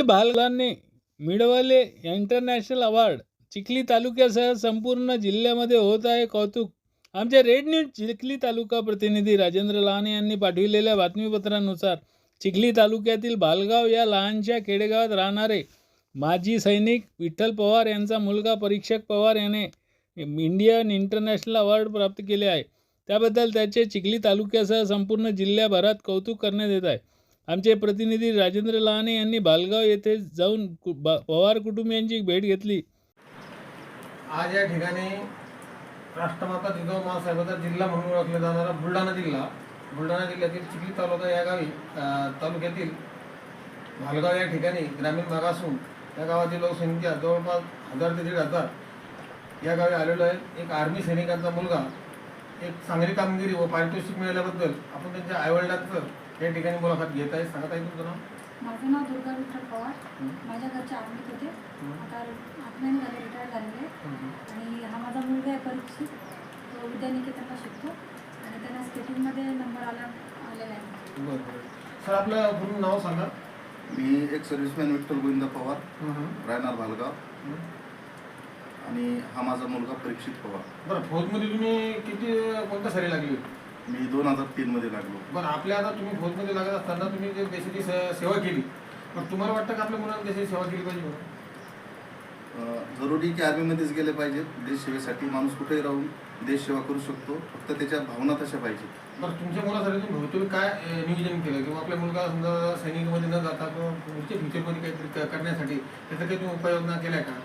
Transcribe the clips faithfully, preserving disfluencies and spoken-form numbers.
चिखलीतील बालकांनी मिळवले international award. Chikhli तालुक्यासह संपूर्ण जिल्ह्यामध्ये होत आहे कौतुक. आमचे रेड न्यूज चिखली तालुका प्रतिनिधी राजेंद्र लहाने यांनी पाठविलेल्या बातमीपत्रानुसार चिखली तालुक्यातील बालगाव या लहानशा खेडेगावात राहणारे माजी सैनिक विठ्ठल पवार यांचा मुलगा परीक्षक पवार याने इंडियन इंटरनॅशनल अवॉर्ड प्राप्त केले आहे. त्याबद्दल त्याचे चिखली तालुक्यासह संपूर्ण जिल्ह्याभरात कौतुक करण्यात येत आहे. आमचे प्रतिनिधी राजेंद्र लहाने यांनी बालगाव येथे जाऊन पवार कुटुंबियांची भेट घेतली. आज या ठिकाणी राष्ट्रमाता जिजाऊ माँसाहेबांचा जिल्हा म्हणून ओळखला जाणारा बुलढाणा जिल्हा बुलढाणा जिल्ह्यातील चिखली तालुका या गावी तालुक्यातील भालगाव या ठिकाणी ग्रामीण भाग असून या गावाची लोकसंख्या जवळपास हजार ते दीड हजार या गावी आलेलो आहे. एक आर्मी सैनिकांचा मुलगा एक चांगली कामगिरी व पारितोषिक मिळाल्याबद्दल आपण त्यांच्या आईवडिलांचं या ठिकाणी मुलाखत घेत आहे. सांगत आहे तुमचं नाव? माझं नाव दुर्गा विठ्ठल पवार. माझ्या घरचे आर्मीत होते, आता आठ महिने झाले रिटायर झालेले. आणि हा माझा मुलगा आहे परीक्षित, तो विद्यानिकेतनला शिकतो आणि त्यांना स्केटिंगमध्ये नंबर आला आलेला आहे. बरं बरं सर, आपलं पूर्ण नाव सांगा. मी एक सर्व्हिसमॅन विठ्ठल गोविंद पवार, राहणार भालगाव, आणि हा माझा मुलगा परीक्षित पवार. बरं, फौजमध्ये तुम्ही किती कोणत्या साली लागली? मी दोन हजार तीन मध्ये लागलो. बरं, आपल्या आता तुम्ही फौजमध्ये लागत असताना तुम्ही जे देशाची सेवा केली, मग तुम्हाला वाटतं का आपल्या मुलांना देशाची सेवा केली पाहिजे? जरुरी की आर्मीमध्येच गेले पाहिजे. देश सेवेसाठी माणूस कुठेही राहून देश सेवा करू शकतो, फक्त त्याच्या भावना तशा पाहिजे. बरं, तुमच्या मुलासाठी तुम्ही भवितव्य काय नियोजन केलं किंवा आपल्या मुलगा समजा सैनिकमध्ये न जाता किंवा पुढच्या फ्युचरमध्ये काहीतरी करण्यासाठी त्याचा काही तुम्ही उपाययोजना केल्या का?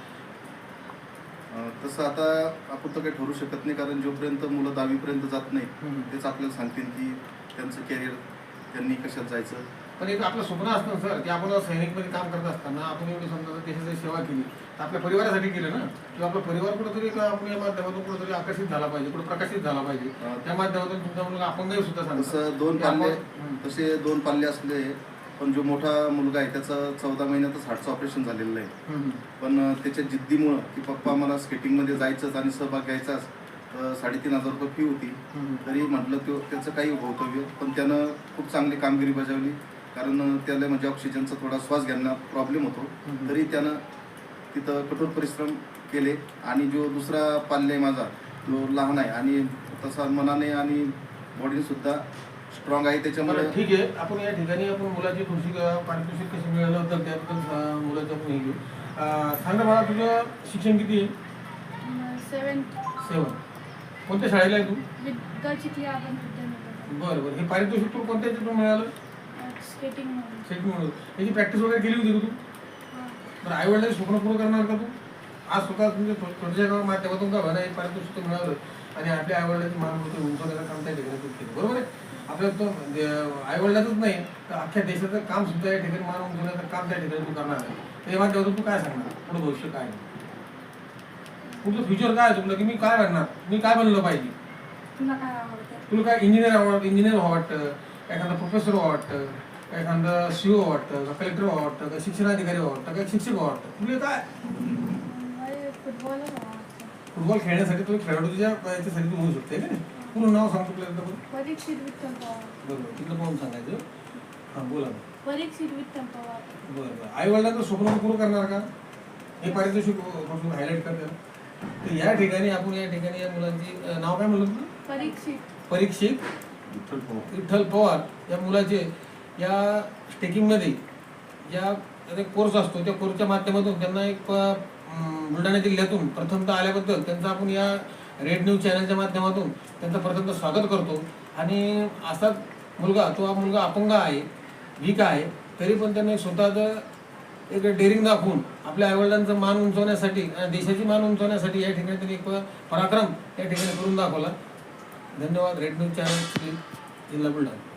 तसं आता आपण तर काही ठरवू शकत नाही, कारण जोपर्यंत मुलं दहावीपर्यंत जात नाही तेच आपल्याला सांगतील की त्यांचं कॅरियर त्यांनी कशात जायचं. पण एक आपलं स्वप्न असतं सर की आपण सैनिकमध्ये काम करत असताना आपण एवढी समजा देशाची सेवा केली तर आपल्या परिवारासाठी केलं ना, किंवा आपला परिवार कुठेतरी आपण या माध्यमातून कुठेतरी आकर्षित झाला पाहिजे, कुठे प्रकाशित झाला पाहिजे. त्या माध्यमातून तुमचा मुलगा अपंगही सुद्धा सांगतो. तसं दोन पाल्ले तसे दोन पाल्ले असले, पण जो मोठा मुलगा आहे त्याचं चौदा महिन्यातच हार्टचं ऑपरेशन झालेलं आहे. पण त्याच्या जिद्दीमुळं की पप्पा मला स्केटिंगमध्ये जायचंच आणि सहभाग घ्यायचाच, साडेतीन हजार रुपये फी होती, तरी म्हटलं तो त्याचं काही भवितव्य. पण त्यानं खूप चांगली कामगिरी बजावली, कारण त्याला म्हणजे ऑक्सिजनचा थोडा श्वास घ्यायला प्रॉब्लेम होतो, तरी त्यानं तिथं कठोर परिश्रम केले. आणि जो दुसरा पाल्य आहे माझा, जो लहान आहे आणि तसा मनाने आणि बॉडीने सुद्धा स्ट्रॉंग आहे, त्याच्यामुळे ठीक आहे. आपण या ठिकाणी आपण मुलाची खुशी पारितोषिक कशी मिळालं होतं त्याबद्दल मुलाचं आपण हे घेऊ. सांगा मला, तुझं शिक्षण किती आहे? सेवन सेवन. कोणत्या शाळेला आहे तू? चिखली आपण. बरं बरं, हे पारितोषिक तू कोणत्या याच्यातून मिळालं? स्केटिंग स्केटिंग म्हणून. याची प्रॅक्टिस वगैरे केली होती का तू? तर आईवडिलांचे स्वप्न पूर्ण करणार का तू? आज स्वतः तुमच्या छोट्याच्या माध्यमातून का म्हणा एक पारितोषिक मिळालं आणि आपल्या आईवडिलांची मान होते उंचवण्याचं काम त्या ठिकाणी तू केलं, बरोबर आहे? आपल्या तो आईवडिलाचंच नाही तर अख्ख्या देशाचं काम सुद्धा या ठिकाणी मान उंचवण्याचं काम त्या ठिकाणी तू करणार आहे. तर या माध्यमातून तू काय सांगणार पुढं भविष्य काय आहे, तुमचं फ्युचर काय आहे, तुला की मी काय बनणार, मी काय बनलं पाहिजे? तुला काय आवडतं? तुला काय इंजिनियर आवडतं, इंजिनियर व्हावं वाटतं, एखादा प्रोफेसर व्हावं वाटतं, एखादं सीओ वाटतं का, कलेक्टर व्हावं वाटतं का, शिक्षणाधिकारी व्हावं वाटतं का, शिक्षक व्हावं वाटतं? तुला काय? फुटबॉल फुटबॉल खेळण्यासाठी तुम्ही खेळाडू तुझ्या याच्यासाठी तू होऊ शकते का? पूर्ण नाव सांगतो तुला. परीक्षित विठ्ठल पवार. बरोबर, तिथलं पाहून सांगायचं. हां, बोला. परीक्षित विठ्ठल पवार. बरं बरं, आई वडिलांचं स्वप्न पूर्ण करणार का हे पारितोषिक हायलाईट करतात. तर या ठिकाणी आपण या ठिकाणी या मुलांची नाव काय म्हणलं तुला? परीक्षित परीक्षित विठ्ठल पवार विठ्ठल पवार या मुलाचे या स्टेकिंगमध्ये ज्या कोर्स असतो त्या कोर्सच्या माध्यमातून त्यांना एक बुलढाणा जिल्ह्यातून प्रथमतः आल्याबद्दल त्यांचं आपण या रेड न्यूज चॅनलच्या माध्यमातून त्यांचं प्रथमतः स्वागत करतो. आणि असाच मुलगा, तो हा मुलगा अपंग आहे, वीक आहे, तरी पण त्यांनी स्वतःचं एक डेअरिंग दाखवून आपल्या आईवडिलांचं मान उंचवण्यासाठी, देशाची मान उंचवण्यासाठी या ठिकाणी त्यांनी एक पराक्रम या ठिकाणी करून दाखवला. धन्यवाद. रेड न्यूज चॅनल, जिल्हा बुलढाणा.